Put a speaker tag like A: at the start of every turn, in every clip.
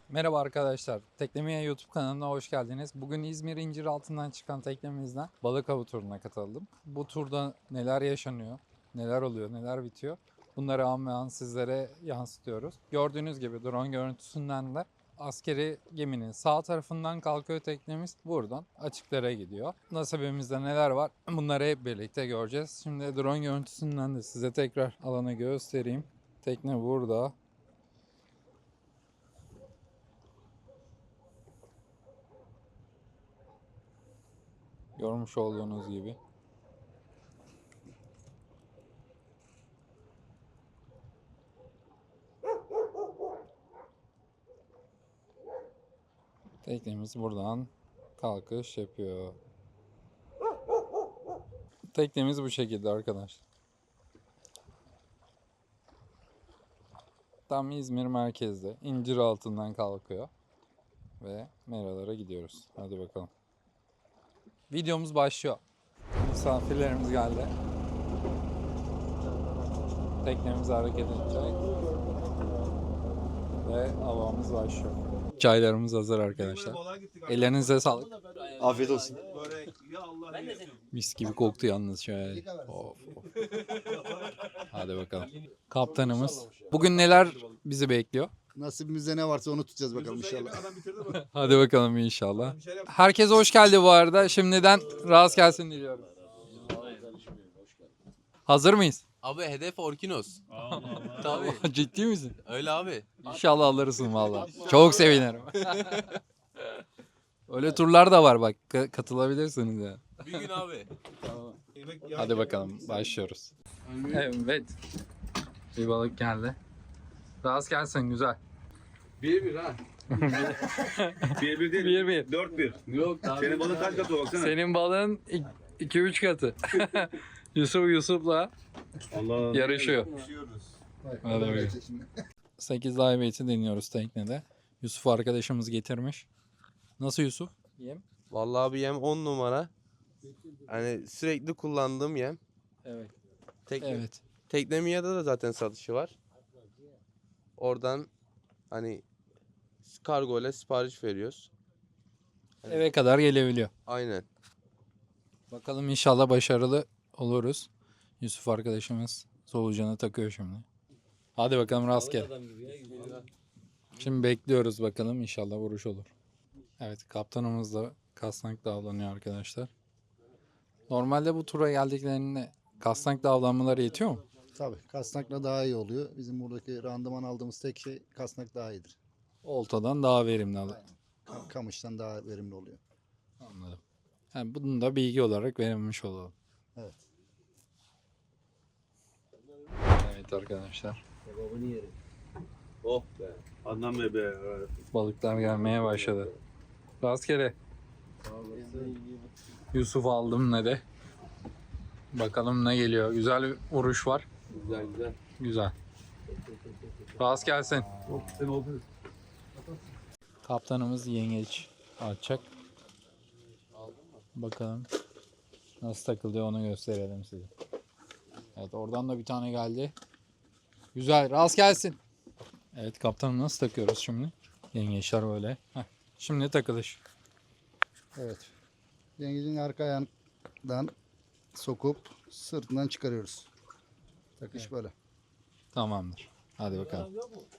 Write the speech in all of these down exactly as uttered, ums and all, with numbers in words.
A: Merhaba arkadaşlar, Teknemiye YouTube kanalına hoş geldiniz. Bugün İzmir İnciraltı'ndan çıkan teknemizden balık avı turuna katıldım. Bu turda neler yaşanıyor, neler oluyor, neler bitiyor bunları an ve an sizlere yansıtıyoruz. Gördüğünüz gibi drone görüntüsünden de askeri geminin sağ tarafından kalkıyor teknemiz. Buradan açıklara gidiyor. Nasibimizde neler var bunları hep birlikte göreceğiz. Şimdi drone görüntüsünden de size tekrar alanı göstereyim. Tekne burada. Görmüş olduğunuz gibi. Teknemiz buradan kalkış yapıyor. Teknemiz bu şekilde arkadaşlar. Tam İzmir merkezde İnciraltı'ndan kalkıyor. Ve Meralara gidiyoruz. Hadi bakalım. Videomuz başlıyor. Misafirlerimiz geldi. Teknemiz hareket edecek. Ve havamız başlıyor. Çaylarımız hazır arkadaşlar. Ellerinize sağlık.
B: Afiyet olsun.
A: Mis gibi koktu yalnız şöyle. Of, of. Hadi bakalım. Kaptanımız. Bugün neler bizi bekliyor?
B: Nasibimizde ne varsa onu tutacağız bakalım inşallah.
A: Hadi bakalım inşallah. Herkese hoş geldi bu arada. Şimdiden rast gelsin diliyorum. Hazır mıyız?
C: Abi hedef Orkinos. Tabii.
A: Ciddi misin?
C: Öyle abi.
A: İnşallah alırsın valla. Çok sevinirim. Öyle turlar da var bak. Ka- katılabilirsiniz ya.
C: Bir gün abi.
A: Hadi bakalım başlıyoruz. Evet. Bir balık geldi. Rast gelsin güzel.
D: Bir bir ha. bir bir değil.
A: Bir bir.
D: Dört bir.
C: Yok abi.
D: Senin balın kaç katı baksana.
A: Senin balığın iki üç katı. Yusuf Yusuf'la
D: Allah.
A: yarışıyor. Hadi bakalım. sekiz live bait'i deniyoruz teknede. Yusuf arkadaşımız getirmiş. Nasıl Yusuf? Yem?
C: Vallahi abi yem on numara. Hani sürekli kullandığım yem.
A: Evet.
C: Tekne,
A: Evet.
C: Teknemiya'da da zaten satışı var. Oradan hani kargo ile sipariş veriyoruz.
A: Eve kadar gelebiliyor.
C: Aynen.
A: Bakalım inşallah başarılı oluruz. Yusuf arkadaşımız solucanı takıyor şimdi. Hadi bakalım rastgele. Şimdi bekliyoruz bakalım inşallah vuruş olur. Evet kaptanımız da kasnak avlanıyor arkadaşlar. Normalde bu tura geldiklerinde kasnak avlanmaları yetiyor mu?
B: Tabii kasnakla daha iyi oluyor. Bizim buradaki randıman aldığımız tek şey kasnak daha iyidir.
A: Oltadan daha verimli alır.
B: Kam- Kamıştan daha verimli oluyor.
A: Anladım. Yani bunu da bilgi olarak verilmiş olalım.
B: Evet.
A: Evet arkadaşlar.
D: Oh be. Adnan Bey be.
A: Balıklar gelmeye başladı. Rastgele. Yusuf aldım ne de. Bakalım ne geliyor. Güzel bir vuruş var.
C: Güzel güzel.
A: Güzel. Rast gelsin.
D: Sen oldun.
A: Kaptanımız yengeç açacak. Bakalım nasıl takılıyor onu gösterelim size. Evet oradan da bir tane geldi. Güzel rast gelsin. Evet kaptanım nasıl takıyoruz şimdi? Yengeçler böyle. Heh. Şimdi takılış.
B: Evet. Yengecin arka ayağından sokup sırtından çıkarıyoruz. Takış böyle.
A: Tamamdır. Hadi bakalım.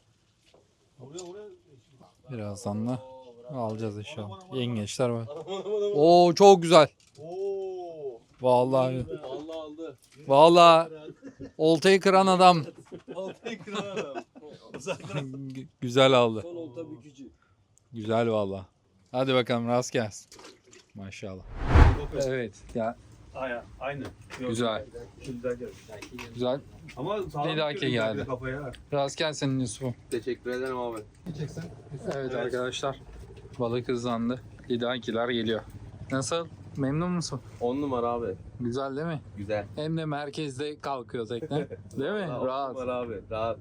A: Birazdan da alacağız inşallah. Yengeçler var. Oo çok güzel.
D: Oo.
A: Vallahi.
C: Allah aldı.
A: Vallahi oltayı kıran adam.
D: Oltayı kıran adam.
A: Gü- güzel aldı.
C: Son olta bükücü.
A: Güzel vallahi. Hadi bakalım rast gelsin. Maşallah. Evet ya
D: Aya, aynı. Yok,
A: güzel.
D: Güzel geldi.
A: Güzel.
D: Ama sağlam
A: Bir dahaki
D: tutuyor
A: geldi.
D: Kafaya.
A: Rast gelsin Yusuf'um.
C: Teşekkür ederim abi.
A: Evet arkadaşlar. Balık hızlandı. Lidakiler geliyor. Nasıl? Memnun musun?
C: on numara abi.
A: Güzel değil mi?
C: Güzel.
A: Hem de merkezde kalkıyor tekne. Değil mi?
C: on
A: Rahat.
C: numara abi. Rahat.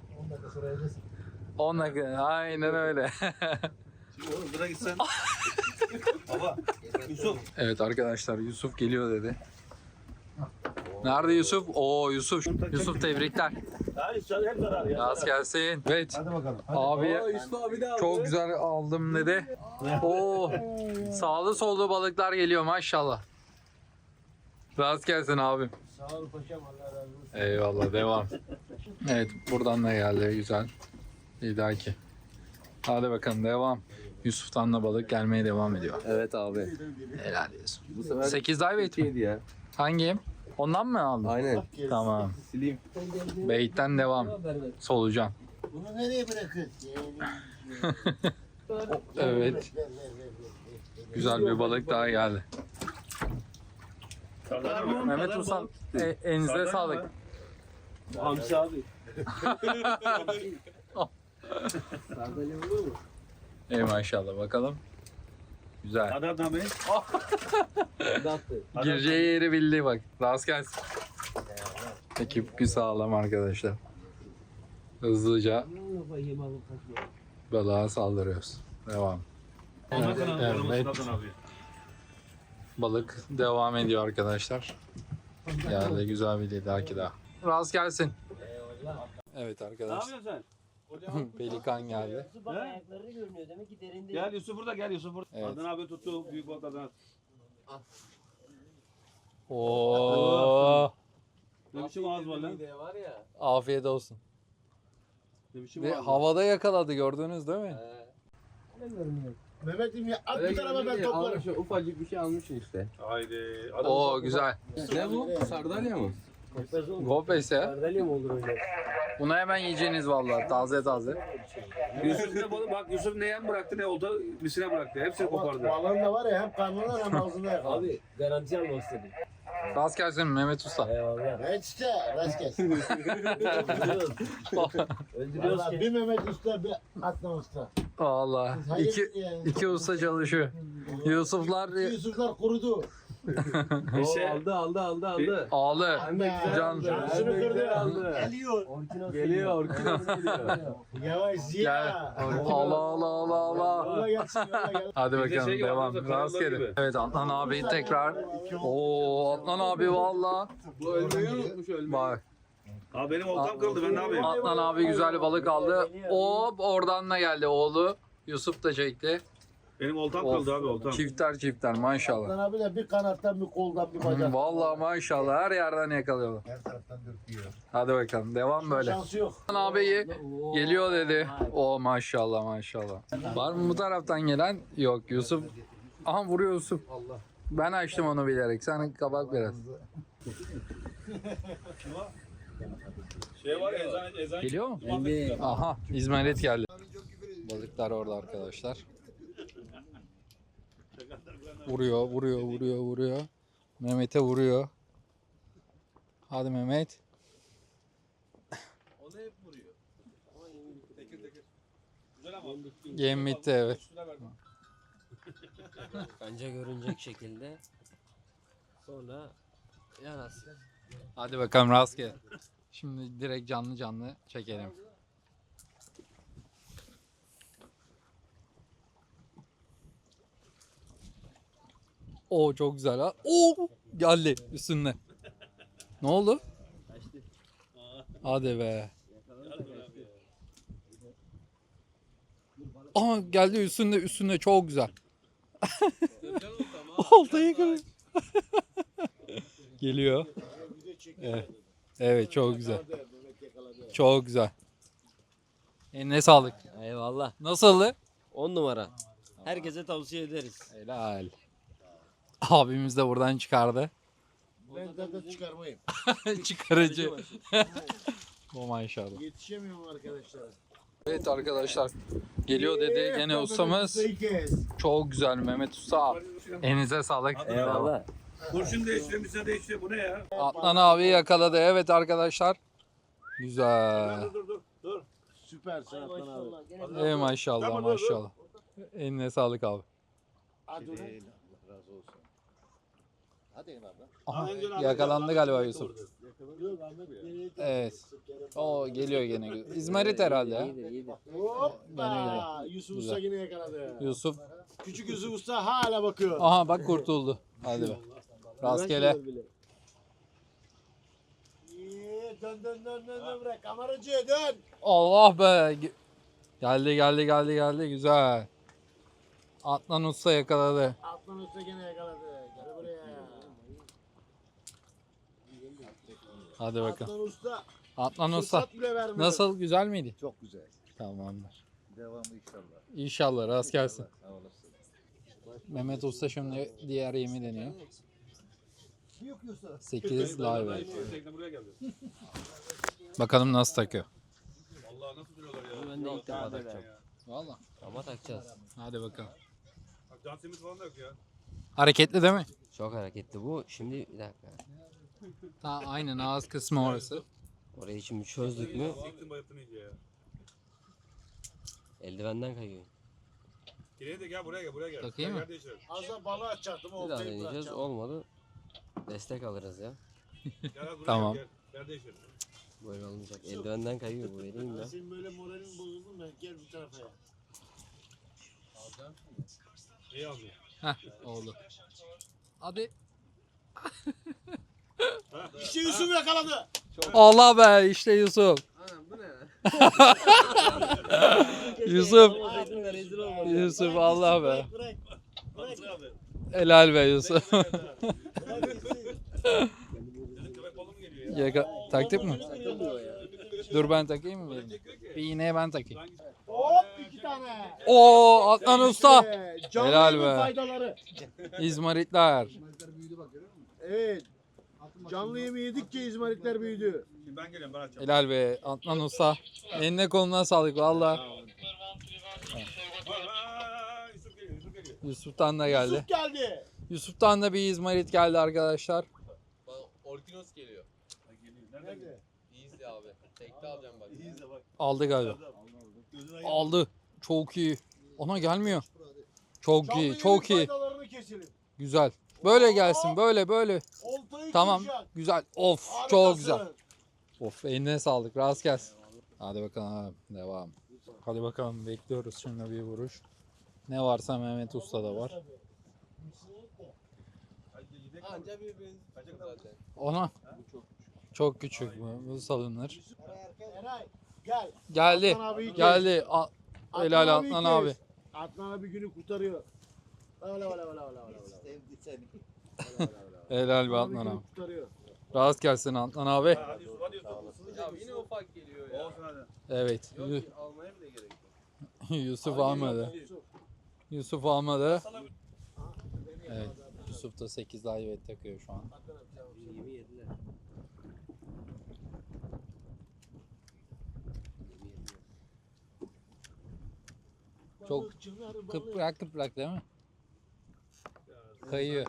A: on dakika. Aynen öyle.
D: Şimdi oğlum bırak gitsen. Baba. Yusuf.
A: Evet arkadaşlar Yusuf geliyor dedi. Nerede Yusuf? Oo Yusuf. Yusuf tebrikler. Rast gelsin. Evet.
B: Hadi bakalım.
A: Abi çok güzel aldım dedi. Oo sağlı sollu balıklar geliyor maşallah. Rast gelsin abim.
E: Sağ ol paşam, Allah razı olsun.
A: Eyvallah devam. Evet buradan da geldi güzel. Bir dahaki. Hadi bakalım devam. Yusuf'tan da balık gelmeye devam ediyor.
C: Evet abi.
A: Helal Yusuf.
C: Bu sefer
A: sekiz ay bait mi?
C: yedi ya.
A: Hangi? Ondan mı aldın?
C: Aynen.
A: Tamam.
C: Sileyim.
A: Beyitten devam. Solucan.
E: Bunu nereye bırakıyorsun?
A: Evet. Güzel bir balık daha geldi. Mehmet Usta e, elinize sağlık.
D: Hamsi abi.
E: Sardalya olur mu?
A: Ey maşallah bakalım. Güzel.
D: Hadi abi.
E: Dattı.
A: Gireceği yeri bildi bak. Rast gelsin. Ekip bir sağlam arkadaşlar. Hızlıca balığa saldırıyoruz. Devam. Evet, evet. Balık devam ediyor arkadaşlar. Yani güzel bir lidaki daha. Rast gelsin. Evet
D: Ne
A: arkadaşlar.
D: yapıyorsun sen?
A: Pelikan geldi.
E: Bak ayakları görünüyor, demek ki derinde.
D: Gel Yusuf burada, gel Yusuf burada.
A: Evet.
D: Adnan abi tuttu büyük balık Adnan.
A: Oo,
D: Ne biçim ağız var lan?
E: Var ya.
A: afiyet olsun.
D: Ne biçim
A: Ve
D: ağız var?
A: havada yakaladı gördünüz değil mi?
E: Ne görünüyor?
B: Mehmet'im ya at bir tarafa ben toplarım.
C: Almış, ufacık bir şey almışsın işte.
D: Haydi.
A: Oo güzel.
C: Ne bu? Sardalya mı?
E: Kopez olmuş.
A: Gopes ya.
E: Sardalya mı olur öyle?
A: Bunu hemen yiyeceğiniz vallahi taze taze.
D: Yusuf ne balık? Bak Yusuf ne yem bıraktı ne olta misine bıraktı. Hepsini kopardı.
B: Balığın da var ya hem karnından hem ağzından yakaladı.
E: Abi garanti almak istedim.
A: Rast gelsin Mehmet Usta.
E: Eyvallah.
B: Evet işte rast gelsin.
E: Öldürüyoruz. Öldürüyoruz
B: Valla
E: ki.
B: bir Mehmet Usta bir Adnan Usta.
A: Vallahi iki, iki usta çalışıyor. Yusuflar
B: İki Yusuflar kurudu.
D: İşte
E: Aldı aldı aldı aldı.
A: ağlı.
B: Can.
A: Can.
B: Şunu kırdı.
E: Aldı.
B: Geliyor.
E: Orkinos
C: Geliyor, Orkinos
E: geliyor.
B: Yavaş
A: Gel.
B: ya.
A: Allah Allah Allah Allah.
B: Yola gelsin yola gel.
A: Hadi
D: Bize
A: bakalım
D: şey gibi,
A: devam.
D: Adnan Usta,
A: Rastgele.
D: gibi.
A: Evet Adnan abi tekrar. Oo Adnan abi valla.
C: Bu ölmeyi unutmuş ölmeyi.
A: Bak
D: Abi benim oltam kırıldı ben ne yapayım?
A: Adnan abi güzel bir balık aldı. Hop oradan da geldi oğlu. Yusuf da çekti.
D: Benim oltam
A: Of.
D: kırıldı abi oltam.
A: Çifter çifter maşallah.
B: Adnan abi de bir kanattan bir koldan bir bacak.
A: Vallahi maşallah her yerden yakalıyorlar.
B: Her taraftan dürtüyor.
A: Hadi bakalım devam böyle.
B: Şansı yok.
A: Adnan abi geliyor dedi. O maşallah maşallah. Var mı bu taraftan gelen? Yok Yusuf. Aha vuruyor Yusuf. Ben açtım onu bilerek. Sen kapat biraz.
D: Şey var ya ezan ezan.
A: Geliyor mu?
E: Geldi.
A: Aha İzmarit geldi. Balıklar orada arkadaşlar. Vuruyor, vuruyor, vuruyor, vuruyor. Mehmet'e vuruyor. Hadi Mehmet.
D: O da hep vuruyor. Tekir tekir. Güzel ama.
A: Yem bitti evet.
D: Üstüne ver.
E: Kanca görünecek şekilde. Sonra yanasın.
A: Hadi bakalım rastgele. Şimdi direkt canlı canlı çekelim. Oo çok güzel ha. Oo geldi üstünde. Ne oldu? Hadi be. Aa geldi üstünde üstünde çok güzel. Oltayı kırıyor. Geliyor. Evet. Evet çok güzel. Çok güzel. Eline sağlık.
E: Eyvallah.
A: Nasıldı?
E: on numara. Herkese tavsiye ederiz.
A: Helal. Abimiz de buradan çıkardı.
B: Ben de çıkarmayayım.
A: Çıkarıcı. O maşallah.
B: Yetişemiyorum arkadaşlar.
A: Evet arkadaşlar. Geliyor dedi gene ustamız. Çok güzel Mehmet Usta. Elinize sağlık.
E: Eyvallah.
D: Kurşun değiştiriyor, misine değiştiriyor. Bu ne ya?
A: Adnan abi yakaladı. Evet arkadaşlar. Güzel.
D: Dur dur dur. Dur.
B: Süpersin Adnan abi.
A: Ey maşallah maşallah. Eline sağlık abi.
B: Hadi ulan. Allah razı olsun. Hadi abi.
A: Aha, yakalandı galiba Yusuf.
B: Yok Ahmet Bey.
A: Evet. O geliyor gene. İzmarit herhalde. ya.
E: İyidir iyidir.
B: Hoppa. Yusuf Usta
A: Güzel.
B: yine yakaladı.
A: Yusuf.
B: Küçük Yusuf Usta hala bakıyor.
A: Aha bak kurtuldu. Hadi be. Rastgele.
F: Dön dön dön dön dön bırak. Kameracı dön.
A: Allah be. Ge- Geldi geldi geldi geldi. Güzel. Adnan Usta yakaladı.
F: Atlan usta gene yakaladı. Gel buraya.
A: Hadi bakalım.
F: Atlan usta.
A: Adnan Usta.
F: Fırsat bile vermedi.
A: Nasıl? Güzel miydi?
B: Çok güzel.
A: Tamamdır.
B: Devamı inşallah.
A: İnşallah rast gelsin.
B: Sağ olasın.
A: Mehmet Usta şimdi diğer yemi deniyor.
B: Yok Yusuf.
A: sekiz live.
D: Tekne buraya geldi.
A: Bakalım nasıl takıyor.
D: Vallahi nasıl duruyorlar ya.
E: Bunu ben de ilk defa takacağım.
A: Valla.
E: Ama takacağız.
A: Hadi bakalım.
D: Bak can simit falan da yok ya.
A: Hareketli değil mi?
E: Çok hareketli bu. Şimdi bir dakika.
A: Ha, aynen ağız kısmı orası.
E: Orayı şimdi çözdük mü
D: Siktin bayılttın iyice ya.
E: eldivenden kayıyor.
D: Geriye de gel buraya gel buraya gel.
A: Takayım
D: Gel,
A: mı?
D: yer değiştirelim.
F: Az da balığı açacaktım.
E: Bir daha
F: Oltayı
E: deneyeceğiz.
F: bırakacağım.
E: Olmadı. Destek alırız ya.
D: Gel az buraya
A: Tamam.
D: gel. Gel, yer değiştirelim.
E: Böyle olmayacak. Eldivenden kayıyor bu vereyim ben.
F: Senin böyle moralin bozuldu mu? Gel bir tarafa ya.
D: İyi almıyor.
A: Heh oldu. Hadi.
F: İşte Yusuf yakaladı.
A: Allah be işte Yusuf. Yusuf.
E: Olmasaydın da rezil olmadı.
A: Yusuf Allah be.
F: Bırak. Bırak. Bırak.
A: Helal be Yusuf.
F: Bırak gitsin.
D: Köpek balığı mı geliyor ya?
A: Yaka taktık mı? Dur ben takayım mı benim? Bir iğneye ben takayım.
F: Hop iki tane.
A: Oo Adnan Usta.
F: Ee, canlı
A: Helal
F: yayının
A: be.
F: faydaları.
A: İzmaritler.
F: Evet. Canlı yemi yedikçe izmaritler büyüdü.
D: Şimdi ben geliyorum ben açacağım.
A: Helal be Adnan Usta. Eline koluna sağlık valla.
D: Aa, Yusuf geliyor Yusuf geliyor.
A: Yusuf'tan da geldi.
F: Yusuf geldi.
A: Yusuf'tan da bir İzmarit geldi arkadaşlar.
C: Orkinos geliyor.
F: Nerede?
C: İyiyiz abi. Tekte alacağım bak.
A: Aldı galiba. Aldı. Çok iyi. Ona gelmiyor. Çok
F: Canlı
A: iyi,
F: yayının
A: çok iyi.
F: faydalarını keselim.
A: Güzel. Böyle gelsin, böyle böyle.
F: Oltayı
A: Tamam.
F: kıracak.
A: Güzel. Of,
F: Harikasın.
A: çok güzel. Of, eline sağlık. Rast gelsin. Hadi bakalım, devam. Hadi bakalım, bekliyoruz şimdi bir vuruş. Ne varsa Mehmet Usta'da var.
C: Anca birbirini kaçak zaten.
A: Ona çok küçük bu, bu salınır.
F: Eray gel.
A: Geldi,
F: Adnan abiyi kes.
A: geldi. A- Helal
F: abiyi
A: Adnan
F: kes.
A: abi.
F: Adnan abi günü kurtarıyor. Öyle öyle öyle öyle öyle.
B: Sevdi seni.
A: Helal be
F: Adnan abi
A: Adnan
F: günü
A: abi.
F: kurtarıyor.
A: Rast gelsin Adnan abi.
D: Hadi Yusuf hadi Yusuf.
C: Ya yine ufak geliyor ya.
D: Olsun hadi.
A: Evet,
C: Yok
A: Yu-
C: ki almaya bile gerek yok.
A: Yusuf almadı.
F: Yusuf.
A: Yusuf almadı. Evet, Yusuf da sekiz live takıyor şu an.
E: Yemi yediler.
A: Çok
F: Balıkçılar balık.
A: Kıprak kıprak değil mi? Kayıyor.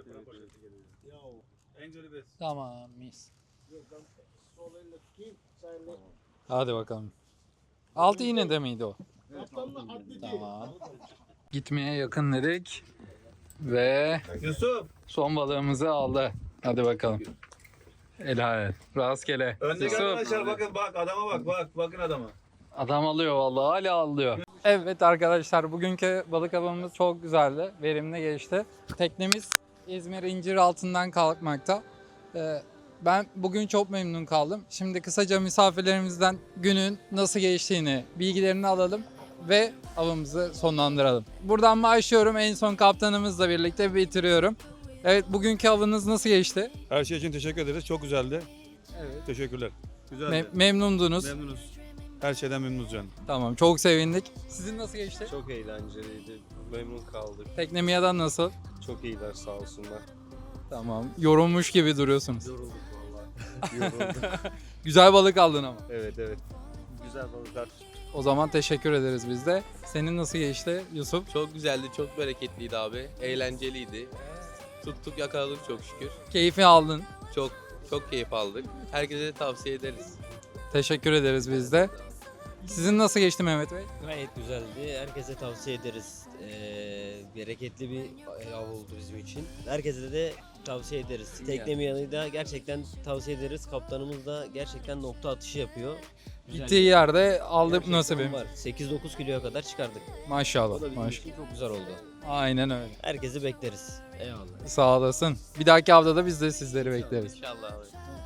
D: En güzeli biz.
A: Tamam mis.
F: Yok, ben sol elle tutayım, sağ elle.
A: Hadi bakalım. Altı iğne de miydi o?
F: Kaptanla atleti.
A: Tamam. Gitmeye yakın dedik. Ve
D: Yusuf.
A: son balığımızı aldı. Hadi bakalım. Helal. Rastgele.
D: Öndeki
A: Yusuf.
D: arkadaşlar bakın bak adama bak bak bakın adama.
A: Adam alıyor vallahi hala alıyor. Evet arkadaşlar bugünkü balık avımız çok güzeldi. Verimli geçti. Teknemiz İzmir İncir altından kalkmakta. Ee, ben bugün çok memnun kaldım. Şimdi kısaca misafirlerimizden günün nasıl geçtiğini, bilgilerini alalım ve avımızı sonlandıralım. Buradan başlıyorum. En son kaptanımızla birlikte bitiriyorum. Evet bugünkü avınız nasıl geçti?
G: Her şey için teşekkür ederiz. Çok güzeldi.
A: Evet.
G: Teşekkürler. Güzeldi.
A: Me- memnundunuz.
G: Memnunuz. Her şeyden memnunuz canım.
A: Tamam çok sevindik. Sizin nasıl geçti?
H: Çok eğlenceliydi. Memnun kaldık.
A: Teknemiya'dan nasıl?
H: Çok iyiler sağ olsunlar.
A: Tamam. Yorulmuş gibi duruyorsunuz.
H: Yorulduk vallahi. Yorulduk.
A: Güzel balık aldın ama.
H: Evet evet. Güzel balıklar.
A: O zaman teşekkür ederiz biz de. Senin nasıl geçti Yusuf?
C: Çok güzeldi, çok bereketliydi abi. Eğlenceliydi. Tuttuk yakaladık çok şükür.
A: Keyfi aldın.
C: Çok çok keyif aldık. Herkese de tavsiye ederiz.
A: Teşekkür ederiz biz de. Sizin nasıl geçti Mehmet Bey?
E: Gayet güzeldi. Herkese tavsiye ederiz. Ee, bereketli bir av oldu bizim için. Herkese de tavsiye ederiz. Teknemi yanı da gerçekten tavsiye ederiz. Kaptanımız da gerçekten nokta atışı yapıyor. Güzel
A: Gittiği
E: bir-
A: yerde aldık
E: gerçekten
A: nasibimiz.
E: var. sekiz dokuz kiloya kadar çıkardık. O
A: Maşallah.
E: da bizim
A: Maş-
E: için çok güzel oldu.
A: Aynen öyle.
E: Herkesi bekleriz. Eyvallah.
A: Sağ olasın. Bir dahaki haftada biz de sizleri bekleriz.
C: İnşallah abi.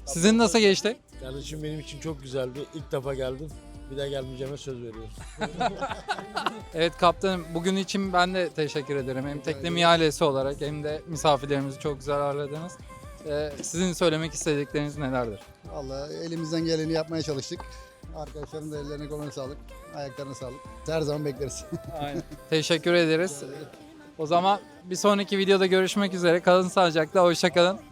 A: Sizin nasıl geçti?
F: Kardeşim benim için çok güzeldi. İlk defa geldim. Bir daha gelmeyeceğime söz veriyorum.
A: Evet kaptanım, bugün için ben de teşekkür ederim. Hem Teknemi ailesi olarak hem de misafirlerimizi çok güzel ağırladınız. Ee, sizin söylemek istedikleriniz nelerdir?
B: Vallahi elimizden geleni yapmaya çalıştık. Arkadaşların da ellerine koluna sağlık. Ayaklarına sağlık. Her zaman bekleriz.
A: Aynen. Teşekkür ederiz. O zaman bir sonraki videoda görüşmek üzere. Kalın sağlıcakla, hoşça kalın.